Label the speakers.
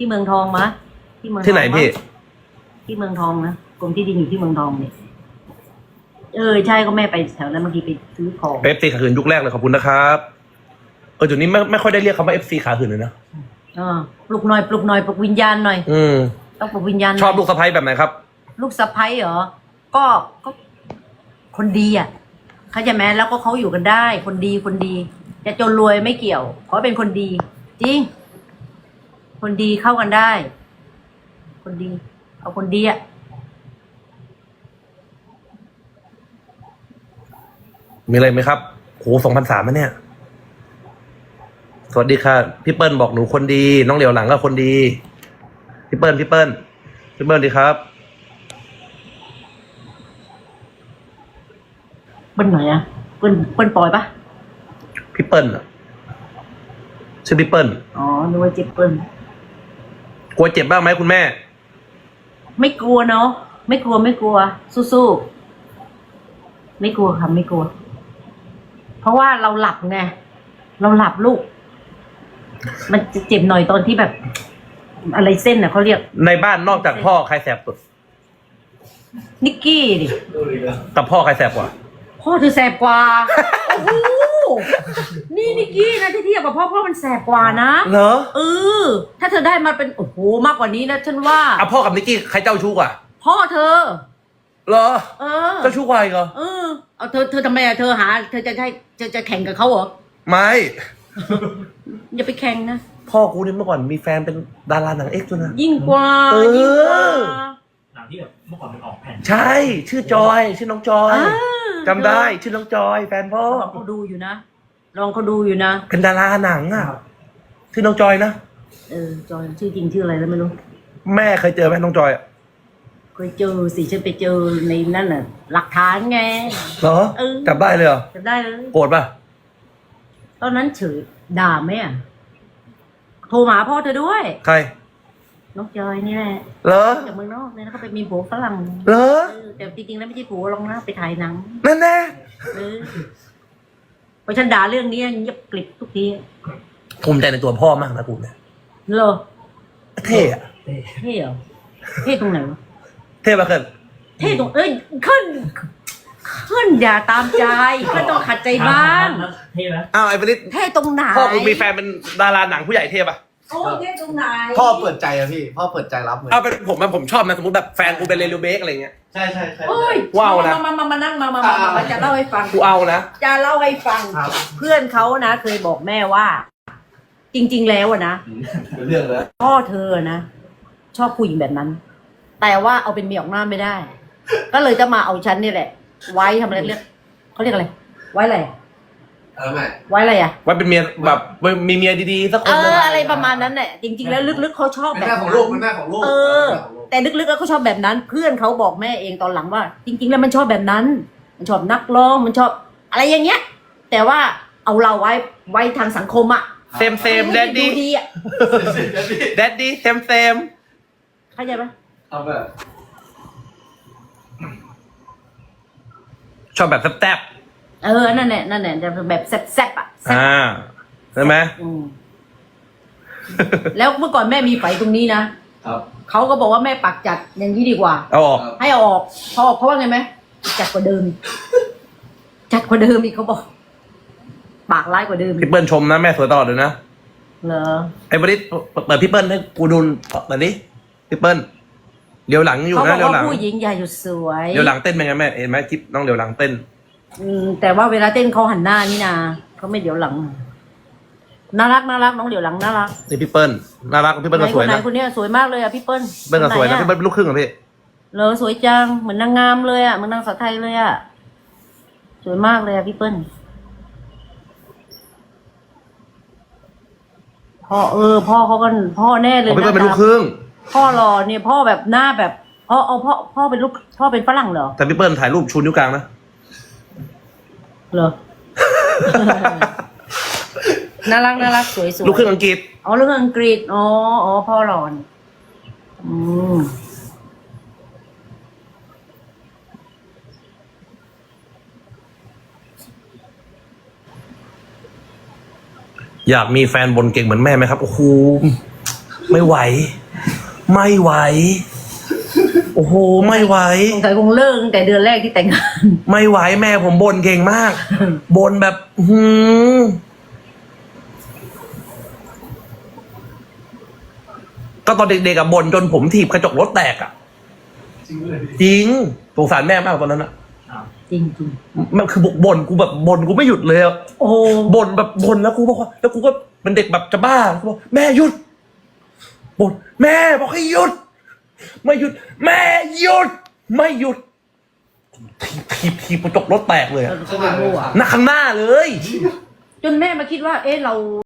Speaker 1: ที่เมืองทองมะที่เมือง
Speaker 2: ที่ไหนพี่
Speaker 1: ที่เมืองทองนะกรมที่ดินอยู่ที่เมืองทองเนี่ยใช่ก็แม่ไปแถวนั้นบางทีไปซื้อของ
Speaker 2: FC ขาหื่นยุคแรกเลยขอบคุณนะครับจุดนี้ไม่ค่อยได้เรียกคำว่า FC ขาหื่นเลยนะ
Speaker 1: ปลุกหน่อยปลุกวิญญาณหน่อยต้องปลุกวิญญาณ
Speaker 2: ชอบลูกสะใภ้แบบไหนครับ
Speaker 1: ลูกสะใภ้เหรอก็คนดีอ่ะเข้าใจไหมแล้วก็เขาอยู่กันได้คนดีจะจนรวยไม่เกี่ยวขอเป็นคนดีจริงคนดีเข้ากันได้คนดีเอาคนดีอ่ะ
Speaker 2: มีอะไรไหมครับโห2003แล้วเนี่ยสวัสดีค่ะพี่เปิ้ลบอกหนูคนดีน้องเหลียวหลังก็คนดีพี่เปิ้ลดีครับ
Speaker 1: เปิ้ลไหนอ่ะเปิ้ลปอยปะ
Speaker 2: พี่เปิ้ลชื่อพี่เปิ้ล
Speaker 1: อ๋อนึกว่าเจ็บเปิ้ล
Speaker 2: กลัวเจ็บบ้างไหมคุณแม่
Speaker 1: ไม่กลัวเนาะไม่กลัวสู้ๆไม่กลัวค่ะไม่กลัวเพราะว่าเราหลับไงเราหลับลูกมันจะเจ็บหน่อยตอนที่แบบอะไรเส้นน่ะเขาเรียก
Speaker 2: ในบ้านนอกจากพ่อใครแสบสุด
Speaker 1: นิกกี้ดิ
Speaker 2: กับพ่อใครแสบกว่า
Speaker 1: พ่อเธอแสบกว่าโอ้โหนี่นิกกี้นะที่เทียบกับพ่อมันแสบกว่านะ
Speaker 2: เหรอ
Speaker 1: ถ้าเธอได้มาเป็นโอ้โหมากกว่านี้นะฉันว่า
Speaker 2: พ่อกับนิกกี้ใครเจ้าชู้กว่า
Speaker 1: พ่อเธอ
Speaker 2: เหรอเจ้าชู้กว่าอีกเหรอ
Speaker 1: เอาเธอทำไมอะเธอจะแข่งกับเขาเหรอ
Speaker 2: ไม่
Speaker 1: อย่าไปแข่งนะ
Speaker 2: พ่อกูนี่เมื่อก่อนมีแฟนเป็นดาราหนังเอ็กซ์ด้วยนะ
Speaker 1: ยิ่งกว่า
Speaker 3: หนังที่แบบเมื่อก่อนมันออกแผ่น
Speaker 2: ใช่ชื่อจอยชื่อน้องจอยจำได้ชื่อน้องจอยแฟนพ่อ
Speaker 1: ลองเขาดูอยู่นะ
Speaker 2: เป็นดาราหนังอ่ะชื่อน้องจอยนะ
Speaker 1: จอยชื่อจริงชื่ออะไรแล้วไม่รู้
Speaker 2: แม่เคยเจอไหมน้องจอย
Speaker 1: เคยเจอสิฉันไปเจอในนั่นน่ะหลักฐานไง
Speaker 2: เหรอจับได้เลยเหรอ
Speaker 1: จับได้เลย
Speaker 2: โกรธป่ะ
Speaker 1: ตอนนั้นเฉยด่าแม่โทรหาพ่อเธอด้วย
Speaker 2: ใคร
Speaker 1: น้องจอยนี่แหละ
Speaker 2: เหรอ
Speaker 1: จากเมืองนอกเนี่ยแล้วก็ไปมีผัวฝรั่ง
Speaker 2: เหรอ
Speaker 1: แต่จริงๆแล้วไม่ใช่ผัวลองนะไปถ่ายหนัง
Speaker 2: นั่นแน่
Speaker 1: พอฉันด่าเรื่องนี้เงียบกริบทุกที
Speaker 2: ภูมิใจในตัวพ่อมากนะกูเนี่ย
Speaker 1: เหรอ
Speaker 2: เท่อะ
Speaker 1: เท่เหรอเท่ตรงไหนวะ
Speaker 2: เท่ปะเกิน
Speaker 1: เท่ตรงขึ้นอย่าตามใจก็ต้องขัดใจบ้าง
Speaker 3: เท่ไหม
Speaker 2: ไอ้ปนิด
Speaker 1: เท่ตรงไหน
Speaker 2: พ่อกูมีแฟนเป็นดาราหนังผู้ใหญ่เท่ปะ
Speaker 1: เท่ตรงไหน
Speaker 4: พ่อเปิดใจอะพี่พ่อเปิดใจรับเลย
Speaker 2: เป็นผมชอบนะสมมติแบบแฟนกูเป็นเรลิเบกอะไรเงี้ย
Speaker 4: ใช่
Speaker 2: ว้าวนะ
Speaker 1: มานั่งมาจะเล่าให้ฟัง
Speaker 2: กูเอานะ
Speaker 1: จะเล่าให้ฟังเพื่อนเขานะเคยบอกแม่ว่าจริงๆแล้วนะ
Speaker 4: เรื่องแล้ว
Speaker 1: พ่อเธอนะชอบผู้หญิงแบบนั้นแต่ว่าเอาเป็นเมียออกหน้าไม่ได้ก็เลยจะมาเอาฉันนี่แหละไว้ทำอะไรเรียกเขาเรียกอะไรไว้อะไรไว้อะไรอ่ะ
Speaker 2: ไว้เป็นเมียแบบมีเมียดีๆสักคน
Speaker 1: อะไรประมาณนั้นแหละจริงๆแล้วลึกๆเขาชอบแบบ
Speaker 4: แม่ของลูกแม่ของลูก
Speaker 1: แต่ลึกๆแล้วเขาชอบแบบนั้นเพื่อนเขาบอกแม่เองตอนหลังว่า จริงๆแล้วมันชอบแบบนั้นมันชอบนักร้องมันชอบอะไรอย่างเงี้ยแต่ว่าเอาเราไว้ทางสังคมอ่ะ
Speaker 2: เซมแดดดี้แดดดี้เซม
Speaker 1: เข้าใจปะ
Speaker 4: เอาแบบ
Speaker 2: ชอบแบบแซ่บ
Speaker 1: นั่นแหละจะแบบแซ่บอ่ะ
Speaker 2: ใช่ไหม
Speaker 1: แล้วเมื่อก่อนแม่มีไฝตรงนี้นะครับเขาก็บอกว่าแม่ปักจัดอย่างนี้ดีกว่า
Speaker 2: เอาออก
Speaker 1: ให้เอาออกพอเขาว่าไงไหมจัดกว่าเดิมอีกเขาบอกปากร้ายกว่าเดิม
Speaker 2: พี่เปิ้ลชมนะแม่สวยตลอดเลยนะ
Speaker 1: เหรอ
Speaker 2: ไอ้บริษเปิดพี่เปิ้ลให้กูดูหน่อยดิพี่เปิ้ลเดี๋ยวหลังอยู่นะ
Speaker 1: เดี๋ยวหลังผู้หญิงใหญ่อยู่สวย
Speaker 2: เดี๋ยวหลังเต้นเป็นไงแม่เห็นไหมคลิปน้องเดี๋ยวหลังเต้น
Speaker 1: แต่ว่าเวลาเต้นเขาหันหน้านี่นาเขาไม่เดี๋ยวหลังน่ารักน้องเดี๋ยวหลังน่ารัก
Speaker 2: นี่พี่เปิ้ลน่ารักพี่เปิ้ลก็สวยนะ
Speaker 1: คนนี้สวยมากเลยอ่ะพี่เปิ้ล
Speaker 2: เปิ้ลก็สวยนะพี่เปิ้ลเป็นลูกครึ่งเหรอพี่
Speaker 1: เหรอสวยจังเหมือนนางงามเลยอ่ะเหมือนนางสาวไทยเลยอ่ะสวยมากเลยอ่ะพี่เปิ้ลพ่อเขาก็พ่อแน่เลย
Speaker 2: พี่เปิ้ลเป็นลูกครึ่ง
Speaker 1: พ่อหล่อเนี่ยพ่อแบบหน้าแบบพ่อเป็นลูกพ่อเป็นฝรั่งเหรอ
Speaker 2: แต่พี่เปิ้ลถ่ายรูปชูนิ้วกลางนะ
Speaker 1: เหรอ น่ารักสวย
Speaker 2: ลูกครึ่งอังกฤษ
Speaker 1: ลูกครึ่งอังกฤษพ่อหล่อ
Speaker 2: อยากมีแฟนบนเก่งเหมือนแม่ไหมครับโอ้โหไม่ไหว ไม่ไหว โอ้โห ไม่ไหว
Speaker 1: สงสัยคงเลิกตั้งแต่เดือนแรกที่แต่งงาน
Speaker 2: ไม่ไหวแม่ผมบ่นเก่งมาก บ่นแบบก็ตอนเด็กๆอะบ่นจนผมถีบกระจกรถแตกอะ
Speaker 4: จริงเลย
Speaker 2: จริงสงสารแม่มากตอนนั้นอะ
Speaker 1: จริงจริง
Speaker 2: มันคือบ่นกูแบบบ่นกูไม่หยุดเลยอะ
Speaker 1: โอ้โห
Speaker 2: บ่นแบบบ่นแล้วกูบอกว่าแล้วกูก็เป็นเด็กแบบจะบ้ากูบอกแม่หยุดบ่นแม่บอกให้หยุด ไม่หยุด แม่หยุด ไม่หยุดถีบกระจกรถแตกเลยอะ
Speaker 1: ก็เป็นรั่ว
Speaker 2: หน้าข้างหน้าเลย
Speaker 1: จนแม่มาคิดว่า เอ๊ะเรา